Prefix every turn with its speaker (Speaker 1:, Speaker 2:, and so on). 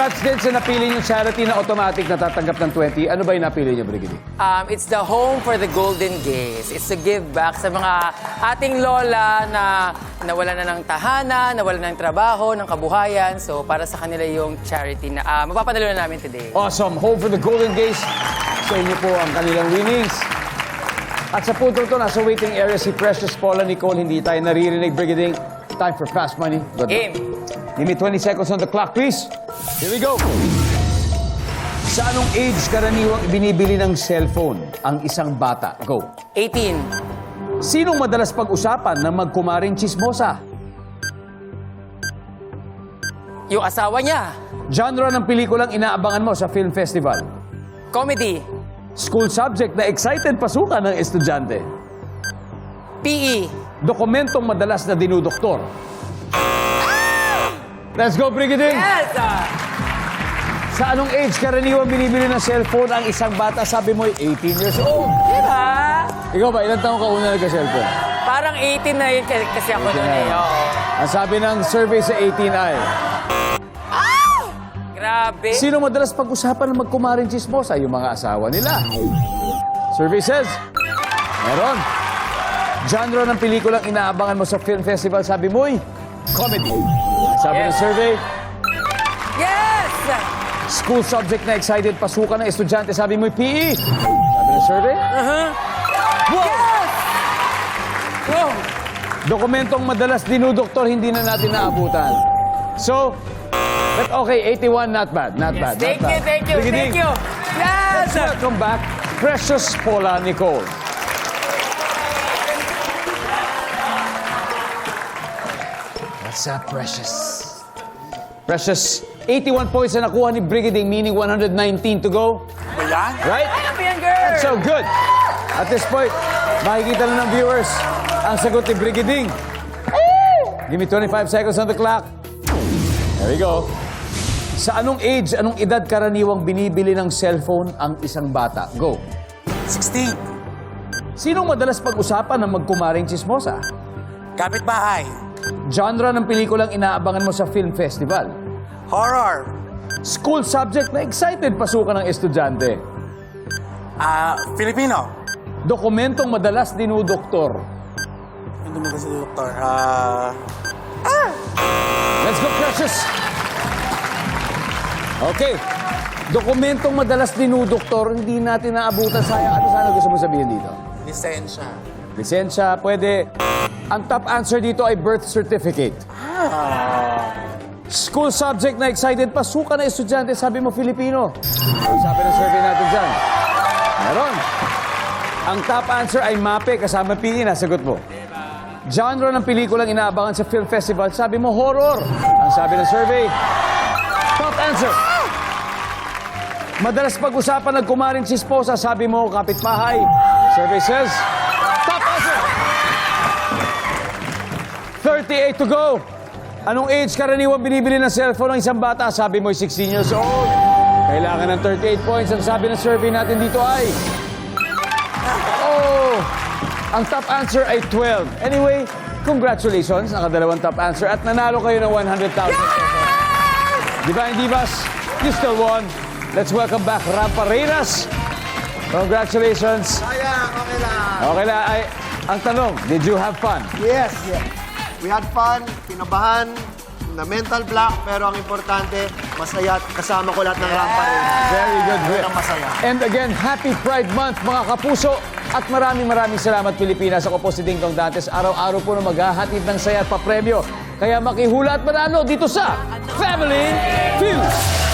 Speaker 1: Congrats din sa napili niyong charity na automatic natatanggap ng 20. Ano ba yung napili niyo, Brigidi?
Speaker 2: It's the Home for the Golden Gays. It's to give back sa mga ating lola na nawalan na ng tahanan, nawalan ng trabaho, ng kabuhayan. So, para sa kanila yung charity na mapapadalo na namin today.
Speaker 1: Awesome. Home for the Golden Gays. Sa inyo po ang kanilang winnings. At sa puntong to, nasa waiting area si Precious Paula Nicole. Hindi tayo naririnig, Brigading. Time for fast money. Good luck.
Speaker 2: Game.
Speaker 1: Give me 20 seconds on the clock, please. Here we go. Sa anong age karaniwang binibili ng cellphone ang isang bata? Go.
Speaker 2: 18.
Speaker 1: Sinong madalas pag-usapan ng magkumaring chismosa?
Speaker 2: Yung asawa niya.
Speaker 1: Genre ng pelikulang inaabangan mo sa film festival?
Speaker 2: Comedy.
Speaker 1: School subject na excited pasukan ng estudyante?
Speaker 2: PE.
Speaker 1: Dokumentong madalas na dinudoktor? Let's go, Brigading!
Speaker 2: Yes!
Speaker 1: Sa anong age karaniwang binibili ng cellphone ang isang bata? Sabi mo, 18 years old.
Speaker 2: Diba?
Speaker 1: Ikaw ba, ilang taong ka una nagka-cellphone?
Speaker 2: Parang 18 na yun kasi ako noon eh. Oo.
Speaker 1: Ang sabi ng survey sa 18 ay,
Speaker 2: Grabe.
Speaker 1: sino madalas pag-usapan ng magkumaring chismosa? Yung mga asawa nila. Survey says, meron. Genre ng pelikulang inaabangan mo sa film festival? Sabi mo'y, comedy. Sabi ng
Speaker 2: Yes.
Speaker 1: survey,
Speaker 2: Yes!
Speaker 1: school subject na excited pasukan ng estudyante? Sabi mo'y PE. Sabi ng survey, wow!
Speaker 2: Yes! Wow!
Speaker 1: Dokumentong madalas dinudoktor, hindi na natin naabutan. So, but okay, 81, not bad, not bad, not
Speaker 2: Thank you,
Speaker 1: bad.
Speaker 2: thank you,
Speaker 1: Brigading,
Speaker 2: thank you. Yes!
Speaker 1: welcome back, Precious Paula Nicole. What's up, Precious? Precious, 81 points na nakuha ni Brigading, meaning 119 to go.
Speaker 3: Ayan.
Speaker 1: Right?
Speaker 2: Champion girl!
Speaker 1: So good. At this point, makikita na ng viewers ang sagot ni Brigading. Give me 25 seconds on the clock. There we go. Sa anong age, anong edad karaniwang binibili ng cellphone ang isang bata? Go.
Speaker 3: 16.
Speaker 1: Sinong madalas pag-usapan ng magkumaring chismosa?
Speaker 3: Kapitbahay.
Speaker 1: Genre ng pelikulang inaabangan mo sa film festival?
Speaker 3: Horror.
Speaker 1: School subject na excited pasukan ng estudyante?
Speaker 3: Filipino.
Speaker 1: Dokumentong madalas dinudoktor?
Speaker 3: Hindi mo kasi doktor.
Speaker 1: Let's go, Precious! Okay. Dokumentong madalas dinudoktor, hindi natin naabutan. Sayang, ano sana gusto mo sabihin dito?
Speaker 3: Lisensya.
Speaker 1: Lisensya, pwede. Ang top answer dito ay birth certificate. School subject na excited pasukan na estudyante, sabi mo Filipino. Ano sabi ng survey natin dyan? Meron. Ang top answer ay MAPE, kasama PE, nasagot mo. Genre ng pelikulang inaabangan sa film festival, sabi mo horror. Ang sabi ng survey, top answer. Madalas pag-usapan ng kumaring chismosa, sabi mo kapitbahay. Survey says, top answer. 38 to go. Anong age karaniwang binibili ng cellphone ng isang bata? Sabi mo 16 years old. Kailangan ng 38 points. Ang sabi ng survey natin dito ay... Oh! Ang top answer ay 12. Anyway, congratulations. Nakadalawang top answer at nanalo kayo ng 100,000 pesos. Diba, Divas? You still won. Let's welcome back Rampa Reynas. Congratulations.
Speaker 4: Sayang, okay lang.
Speaker 1: Okay lang. Ay, ang tanong, did you have fun?
Speaker 4: Yes, yes. We had fun, kinabahan, na mental block, pero ang importante, masaya at kasama ko lahat ng rampa rin.
Speaker 1: Very good, Rick.
Speaker 4: Ang masaya.
Speaker 1: And again, happy Pride Month, mga kapuso. At maraming salamat, Pilipinas. Ako po si Ding Dong Dantes. Araw-araw po na maghahatid ng saya at papremyo. Kaya makihula at manalo dito sa Family Feud.